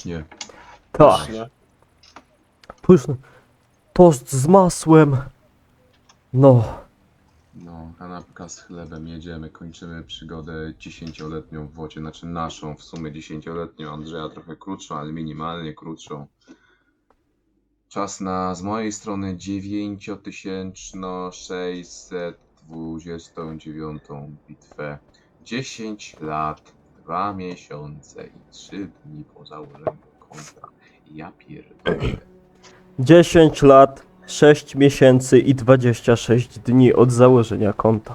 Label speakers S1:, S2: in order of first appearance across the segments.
S1: pysznie.
S2: Tak,
S3: Pysznie.
S2: pyszny. Tost z masłem. No,
S1: No, kanapka z chlebem, jedziemy, kończymy przygodę 10-letnią w wodzie, znaczy naszą, w sumie 10-letnią, Andrzeja trochę krótszą, ale minimalnie krótszą. Czas na, z mojej strony, 9629 bitwę. 10 lat, 2 miesiące i 3 dni po założeniu konta. Ja pierdolę.
S2: 10 lat, 6 miesięcy i 26 dni od założenia konta.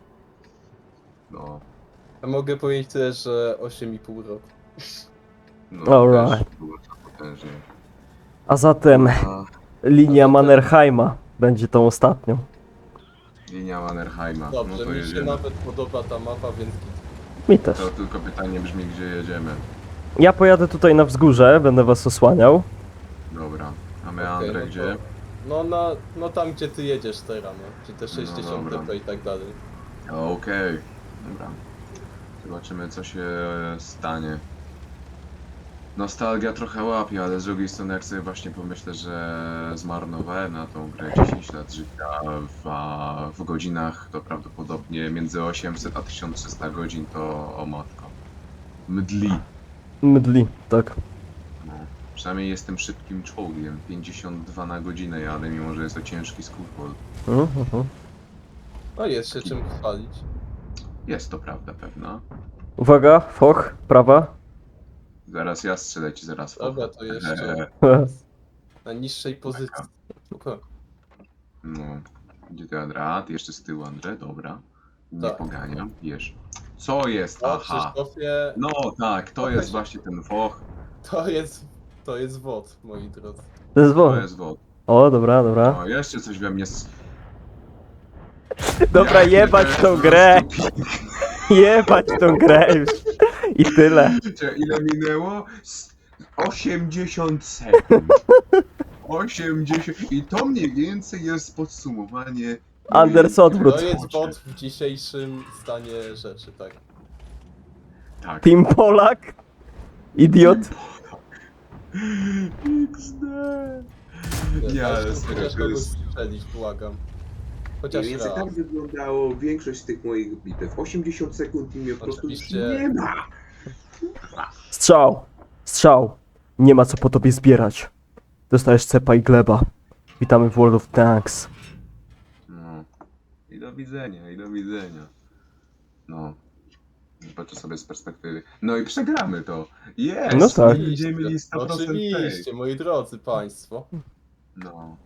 S1: No,
S3: Ja mogę powiedzieć tyle, że 8,5 roku.
S1: no
S2: Alright.
S1: też było to potężnie.
S2: A zatem
S1: A,
S2: linia Mannerheima będzie tą ostatnią.
S1: linia Mannerheima, no
S3: Dobrze,
S1: to
S3: mi się
S1: jedziemy.
S3: nawet podoba ta mapa, więc
S2: Mi też.
S1: To tylko pytanie brzmi, gdzie jedziemy.
S2: Ja pojadę tutaj na wzgórze, będę was osłaniał.
S1: Dobra, a my
S3: okej,
S1: Andrzej
S3: no
S1: gdzie?
S3: to- no tam gdzie ty jedziesz teraz, no. Czy te 60
S1: dobra.
S3: to i tak dalej.
S1: Okej, dobra. Zobaczymy co się stanie. Nostalgia trochę łapie, ale z drugiej strony jak sobie właśnie pomyślę, że zmarnowałem na tą grę 10 lat życia, a w godzinach to prawdopodobnie między 800 a 1300 godzin, to o matko. Mdli.
S2: Mdli, tak.
S1: No. Przynajmniej jestem szybkim czołgiem, 52 na godzinę jadę, mimo że jest to ciężki skutbol.
S3: No jest się czym chwalić.
S1: Jest to prawda pewna.
S2: Uwaga, foch, prawa.
S1: Zaraz ja strzelę ci, zaraz
S3: Dobra,
S1: focha.
S3: to jeszcze na niższej pozycji. Spoko.
S1: No, gdzie ty Andra? Ty jeszcze z tyłu Andrzej, dobra. Nie
S3: Tak.
S1: poganiam, wiesz. Co jest?
S3: O,
S1: Aha.
S3: Krzysztofie,
S1: No tak, to
S3: Okej.
S1: jest właśnie ten foch,
S3: to jest WOD, moi drodzy.
S2: To jest
S1: to
S2: wąt.
S1: jest wod.
S2: O, dobra, dobra.
S1: O, jeszcze coś we mnie...
S2: Dobra,
S1: Jakie
S2: jebać
S1: to jest
S2: tą
S1: po
S2: grę.
S1: prostu
S2: Jebać tą grę już. I tyle.
S1: piękne. Ile minęło? 80 sekund. 80... I to mniej więcej jest podsumowanie...
S2: Anders,
S1: mojej
S2: odwrót.
S3: To
S1: gry.
S3: jest WOD w dzisiejszym stanie rzeczy, tak.
S1: Tak.
S2: Team Polak. Idiot.
S1: XD. Nie, ale serio,
S3: Chociaż
S1: to
S3: kogoś
S1: jest...
S3: strzelić, błagam.
S1: Mniej
S3: Chociaż
S1: więcej
S3: raz.
S1: tak wyglądało większość z tych moich bitew. 80 sekund i mnie po prostu już
S3: Oczywiście.
S1: nie ma.
S2: Strzał. Strzał. Nie ma co po tobie zbierać. Dostajesz cepa i gleba. Witamy w World of Tanks.
S1: No. I do widzenia, i do widzenia. No. Patrzę sobie z perspektywy. No i przegramy to. Jest!
S2: No tak.
S1: Będziemy mieli 100%
S3: Oczywiście,
S1: fake.
S3: moi drodzy państwo.
S1: No.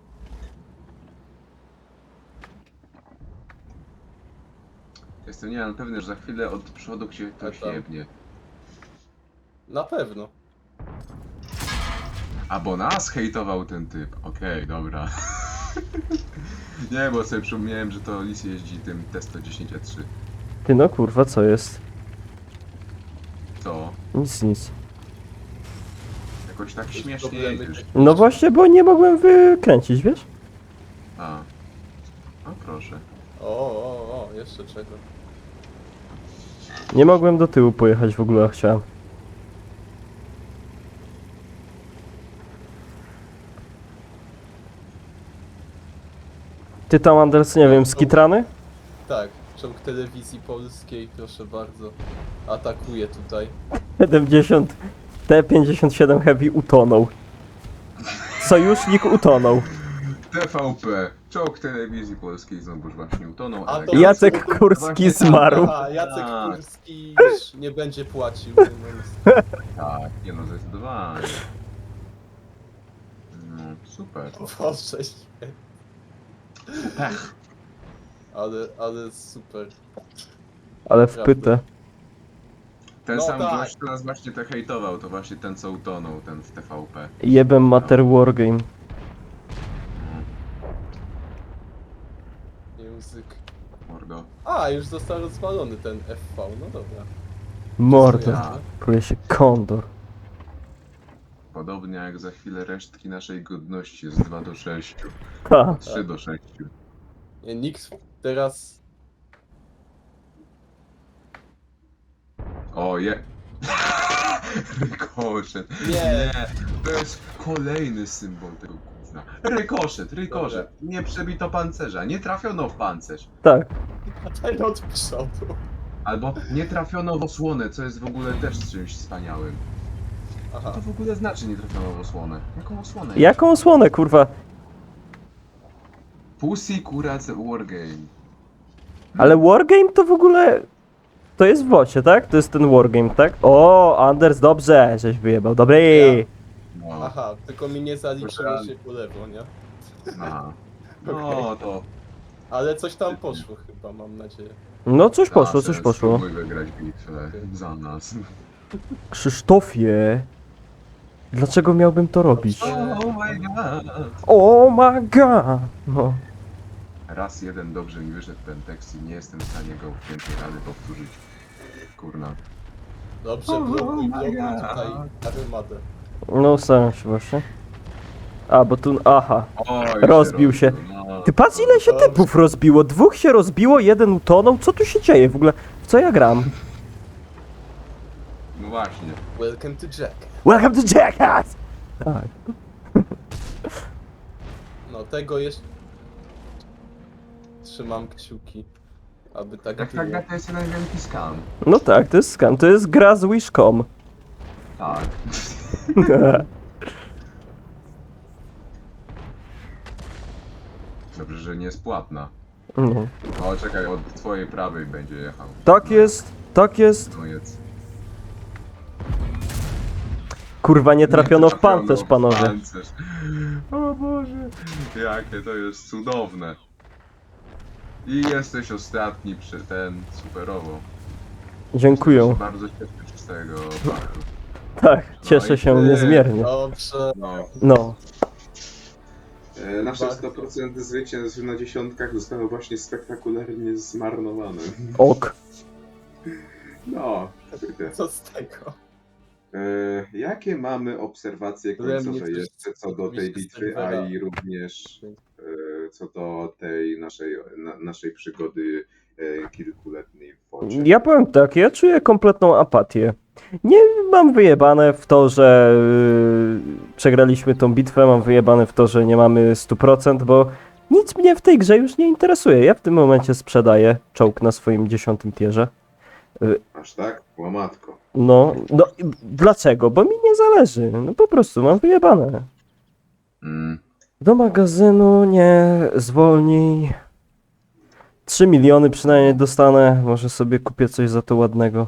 S1: Jestem nie mam pewny, że za chwilę od przodu cię ktoś
S3: tam.
S1: jebnie.
S3: Na pewno.
S1: A bo nas hejtował ten typ. Okej, dobra. Nie, bo sobie przypomniałem, że to Lis jeździ tym T110E3.
S2: Ty no kurwa, co jest?
S1: Co?
S2: Nic, nic.
S1: Jakoś tak
S3: Jakieś
S1: śmiesznie
S3: problemy
S1: jedziesz.
S2: No właśnie, bo nie mogłem wykręcić, wiesz?
S1: A. O proszę.
S3: O, jeszcze czego.
S2: Nie mogłem do tyłu pojechać w ogóle, a chciałem. Ty tam, Anders, nie wiem, skitrany?
S3: Tak, czołg telewizji polskiej, proszę bardzo. Atakuje tutaj.
S2: 70, T-57 Heavy utonął. Sojusznik utonął.
S1: TVP. Czołg telewizji polskiej znowuż właśnie utonął,
S3: A
S1: ale...
S3: to-
S2: Jacek Kurski zmarł.
S3: A, Jacek
S1: Tak.
S3: Kurski już nie będzie płacił. No,
S1: Tak, nie no, zdecydowanie. No, super.
S3: Boże święty.
S1: Super.
S3: Ale super.
S2: Ale wpytę.
S1: Ten
S3: No
S1: sam
S3: tak.
S1: gość, kto nas właśnie te hejtował, to właśnie ten co utonął, ten w TVP.
S2: Jebem Mater Wargame.
S3: Język.
S1: Mordo.
S3: A, już został rozwalony ten FV, no dobra.
S2: Mordo.
S3: Ja.
S2: Czuje się kondor.
S1: Podobnie jak za chwilę resztki naszej godności z 2 do 6.
S2: Ha.
S1: 3 do 6.
S3: Nie, nikt teraz...
S1: O je. Rykoszet.
S3: Nie.
S1: To jest kolejny symbol tego gówna. Rykoszet. Nie przebito pancerza, nie trafiono w pancerz.
S2: Tak.
S3: Daj od przodu.
S1: Albo nie trafiono w osłonę, co jest w ogóle też czymś wspaniałym. Co
S3: Aha.
S1: to w ogóle znaczy nie trafiono w osłonę? Jaką osłonę?
S2: Jaką osłonę, kurwa?
S1: Pussy Kurac Wargame.
S2: Ale Wargame to w ogóle... To jest w wocie, tak? To jest ten Wargame, tak? O, Anders, dobrze, żeś wyjebał. Dobry!
S1: No,
S3: Aha, tylko mi nie zaliczyło się po lewo, nie?
S1: aha. No to...
S3: Ale coś tam poszło chyba, mam nadzieję.
S2: No coś poszło,
S1: Nasze,
S2: coś poszło.
S1: Spróbuj wygrać bitwę za nas.
S2: Krzysztofie... Dlaczego miałbym to robić?
S1: Oh my god.
S2: Oh my god! No.
S1: Raz jeden dobrze mi wyszedł ten tekst i nie jestem w stanie go w piętej rady powtórzyć. Kurna.
S3: Dobrze, blokuj tutaj armadę.
S2: No, staram się właśnie. A, bo tu... Aha.
S1: Oj,
S2: Rozbił się.
S1: No,
S2: Ty patrz ile się
S3: Dobrze.
S2: typów rozbiło. Dwóch się rozbiło, jeden utonął. Co tu się dzieje w ogóle? W co ja gram?
S1: No właśnie.
S3: Welcome to Jack.
S2: Welcome to Jackass! Tak.
S3: No tego jeszcze... Trzymam kciuki, aby tak
S1: Jak
S3: było.
S1: tak to jest jeden wielki skam.
S2: No tak, to jest scam. To jest gra z Wish.com.
S1: Tak. Dobrze, że nie jest płatna.
S2: No.
S1: O, czekaj, od twojej prawej będzie jechał.
S2: Tak jest, tak jest.
S1: No jest.
S2: Kurwa, nie trafiono w
S1: trafiono
S2: pancerz,
S1: w
S2: panowie.
S1: pancerz. O Boże, jakie to jest cudowne. I jesteś ostatni przy ten, superowo.
S2: Dziękuję.
S1: Bardzo cieszę się z tego faktu.
S2: Tak, cieszę się niezmiernie.
S3: Dobrze.
S1: No.
S2: No.
S1: Nasze
S3: Bardzo.
S1: 100% zwycięstw na dziesiątkach zostało właśnie spektakularnie zmarnowane.
S2: Ok.
S1: No, kurde.
S3: Co z tego?
S1: Jakie mamy obserwacje
S3: Byłem
S1: końcowe
S3: nie
S1: jeszcze co do tej bitwy, a i również co do tej naszej przygody kilkuletniej w wodzie?
S2: Ja powiem tak, ja czuję kompletną apatię. Nie mam wyjebane w to, że przegraliśmy tą bitwę, mam wyjebane w to, że nie mamy 100%, bo nic mnie w tej grze już nie interesuje. Ja w tym momencie sprzedaję czołg na swoim 10. tierze.
S1: Aż tak? Łamatko.
S2: No, dlaczego? Bo mi nie zależy. No po prostu mam wyjebane.
S1: Mm.
S2: Do magazynu nie zwolnij. 3 miliony przynajmniej dostanę. Może sobie kupię coś za to ładnego.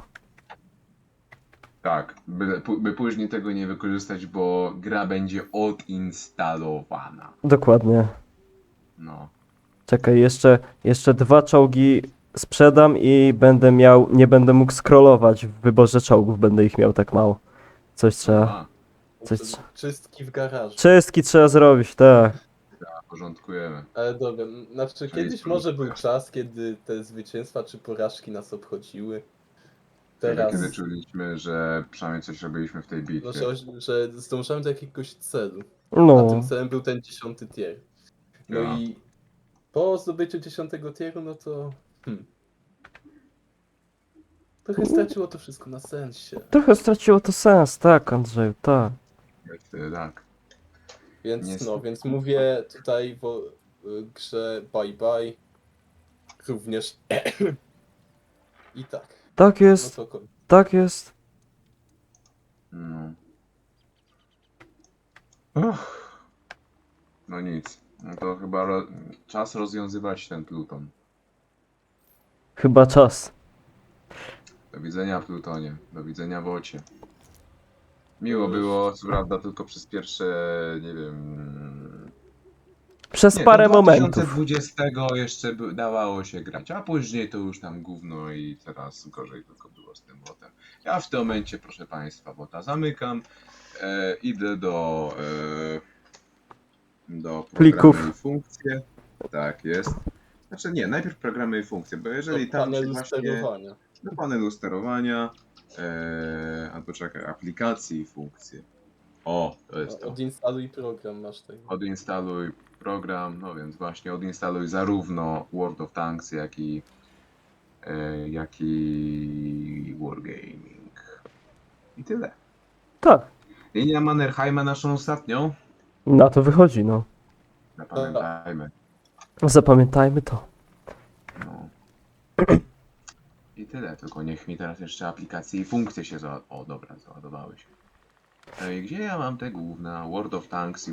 S1: Tak, by później tego nie wykorzystać, bo gra będzie odinstalowana.
S2: Dokładnie.
S1: No.
S2: Czekaj, jeszcze 2 czołgi sprzedam i nie będę mógł scrollować w wyborze czołgów, będę ich miał tak mało. Coś trzeba.
S1: A,
S2: Coś...
S3: Czystki w garażu.
S2: Czystki trzeba zrobić, tak.
S1: porządkujemy.
S3: Ale dobra, znaczy kiedyś może był czas, kiedy te zwycięstwa czy porażki nas obchodziły. Teraz,
S1: Kiedy czuliśmy, że przynajmniej coś robiliśmy w tej
S3: no,
S1: bitwie.
S3: że zdążamy do jakiegoś celu. A
S2: No,
S3: tym celem był ten 10. tier. No
S1: Ja.
S3: i po zdobyciu 10. tieru, no to... Trochę straciło to wszystko na sensie.
S2: trochę straciło to sens, tak, Andrzeju, tak.
S1: Wtedy tak.
S3: Więc
S1: Niestety.
S3: więc mówię tutaj w grze bye bye. Również... I tak.
S2: Tak
S3: No
S2: jest,
S3: to
S2: tak jest.
S1: No. No nic. No to chyba czas rozwiązywać ten Pluton.
S2: Chyba czas.
S1: Do widzenia Plutonie. Do widzenia Wocie. Miło było, co prawda tylko przez pierwsze, nie wiem...
S2: Przez
S1: Nie,
S2: parę
S1: do
S2: momentów.
S1: 2020 jeszcze dawało się grać, a później to już tam gówno i teraz gorzej tylko było z tym botem. Ja w tym momencie, proszę Państwa, bota zamykam. Idę do
S2: Plików.
S1: programy i funkcje. Tak jest. Znaczy nie, najpierw programy i funkcje, bo jeżeli
S3: do
S1: tam się
S3: panelu
S1: właśnie
S3: sterowania.
S1: do panelu sterowania, albo czekaj, aplikacji i funkcje. O, to jest to.
S3: Odinstaluj program, masz tego.
S1: Odinstaluj program, no więc właśnie odinstaluj zarówno World of Tanks, jak i Wargaming. I tyle.
S2: Tak,
S1: Linia Mannerheima naszą ostatnią.
S2: na to wychodzi, no.
S1: Zapamiętajmy.
S2: Zapamiętajmy to.
S1: No. I tyle, tylko niech mi teraz jeszcze aplikacje i funkcje się O dobra, załadowały się. Gdzie ja mam te główne? World of Tanks